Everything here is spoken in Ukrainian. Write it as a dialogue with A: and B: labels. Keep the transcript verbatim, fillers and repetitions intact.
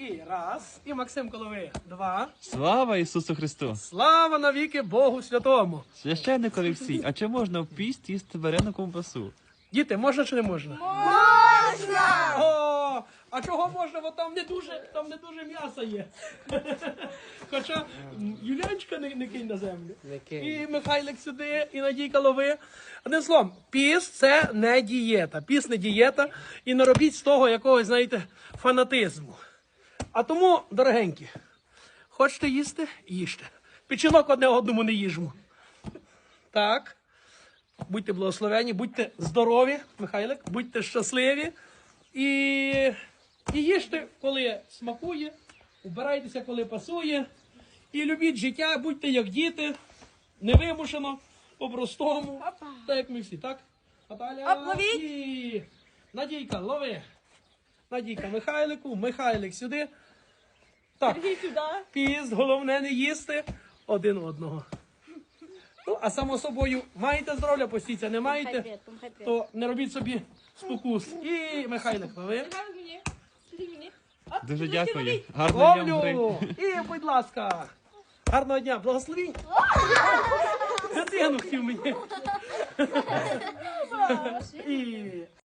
A: І раз. І Максим Коловий. Два.
B: Слава Ісусу Христу!
A: Слава навіки Богу Святому.
B: Священник Олексій, а чи можна в піст їсти варену ковбасу?
A: Діти, можна чи не можна? Можна! О, а чого можна? Бо там не дуже, там не дуже м'яса є. Хоча м, Юлянчика не, не кинь на землю. І Михайлик сюди, і Надійка лови. Одним словом, піст – це не дієта. Піст не дієта. І не робіть з того якогось, знаєте, фанатизму. А тому, дорогенькі, хочете їсти – їжте. Печінок одне одному не їжмо. Так. Будьте благословені, будьте здорові, Михайлик, будьте щасливі. І, і їжте, коли смакує, убирайтеся, коли пасує. І любіть життя, будьте як діти, невимушено, по-простому. Так, як ми всі, так? Наталя, і Надійка, лови. Надійка Михайлику, Михайлик сюди. Так, піст, головне не їсти один одного. Ну, а само собою, маєте здоров'я, постійця, не маєте, то не робіть собі спокус. І Михайлик, лови.
B: Дуже дякую. Гарного дня вам,
A: Ловлю!
B: гри.
A: І, будь ласка, гарного дня, благословінь. Дитину хотів мені. І